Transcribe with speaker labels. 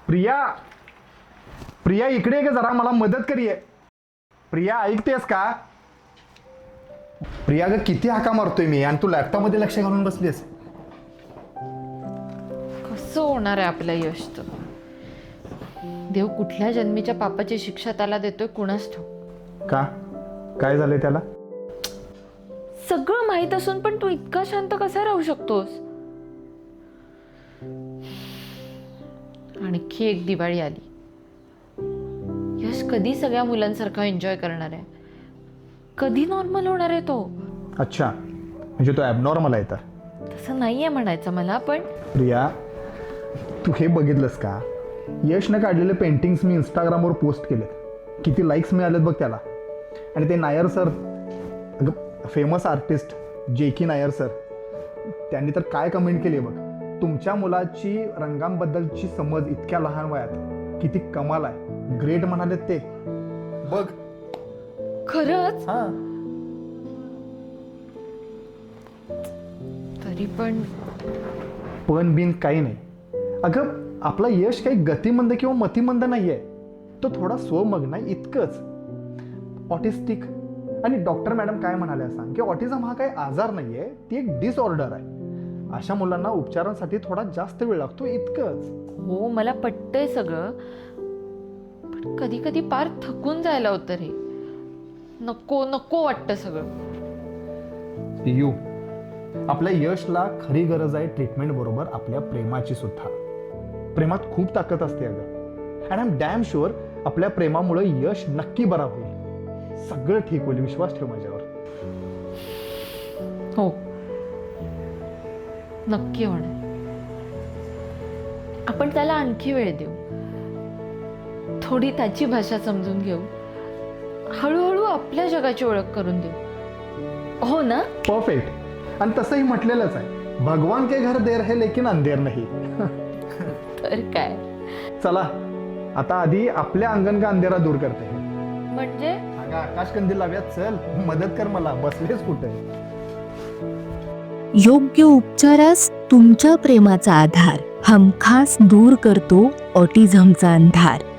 Speaker 1: प्रिया, प्रिया इकडे ये जरा, मला मदत करूये. प्रिया ऐकतेस का? प्रिया ग किती हाका मारतोय मी आणि तू लॅपटॉप मध्ये लक्ष घालून बसलीस.
Speaker 2: कसं होणार आहे आपलं यश तर? देव कुठल्या जन्मीच्या पापाची शिक्षा त्याला देतोय कुणास ठाऊक.
Speaker 1: का? काय झालंय त्याला?
Speaker 2: सगळं माहित असून पण तू इतका शांत कसा राहू शकतोस? आणखी एक दिवाळी आली. यश कधी सगळ्या मुलांसारखा एन्जॉय करणार आहे? कधी नॉर्मल होणार आहे तो?
Speaker 1: अच्छा, म्हणजे तो ॲबनॉर्मल आहे तर?
Speaker 2: तसं नाहीये म्हणायचं मला, पण
Speaker 1: प्रिया तू हे बघितलंस का? यशनं काढलेले पेंटिंग्स मी इंस्टाग्रामवर पोस्ट केले, किती लाईक्स मिळालेत बघ त्याला. आणि ते Nair sir, famous artist J K. Nair sir, त्यांनी तर काय कमेंट केली बघ. तुमच्या मुलाची रंगांबद्दलची समज इतक्या लहान वयात किती कमाल आहे, ग्रेट म्हणाले ते बघ.
Speaker 2: खरंच?
Speaker 1: हा,
Speaker 2: तरी पण
Speaker 1: बिन काही नाही. अगं आपला यश काही गतिमंद किंवा मतिमंद नाही आहे, तो थोडा स्वमग्न आहे इतकंच. ऑटिस्टिक. आणि डॉक्टर मॅडम काय म्हणाल्या सांग की ऑटिझम हा काही आजार नाही आहे, ती एक डिसऑर्डर आहे. अशा मुलांना उपचारांसाठी थोडा जास्त वेळ लागतो इतकंच.
Speaker 2: हो, मला पटतंय सगळं, पण कधी कधी पार थकून जायला होतं रे. नको नको वाटतं सगळं.
Speaker 1: यू, आपल्या यशला खरी गरज आहे ट्रीटमेंट बरोबर आपल्या प्रेमाची सुद्धा. प्रेमात खूप ताकद असते अगं. And I am damn sure आपल्या प्रेमामुळे यश नक्की बरा होईल. सगळं ठीक होईल, विश्वास ठेव माझ्यावर.
Speaker 2: हो, नक्की होणार. आपण त्याला आणखी वेळ देऊ, थोडी त्याची भाषा समजून घेऊ, हळूहळू आपल्या जगाची ओळख करून देऊ. हो ना?
Speaker 1: परफेक्ट. आणि तसंही म्हटलेलंच आहे, भगवान के घर देर है लेकिन अंधेर नाही.
Speaker 2: तर काय.
Speaker 1: चला आता आधी आपल्या अंगण का अंधेरा दूर करते.
Speaker 2: म्हणजे
Speaker 1: अगं आकाश कंदील लाव्यात, चल मदत कर मला, बसलेस कुठे?
Speaker 3: योग्य उपचारास तुमच्या प्रेमाचा आधार हमखास दूर करतो ऑटिझमचा अंधार.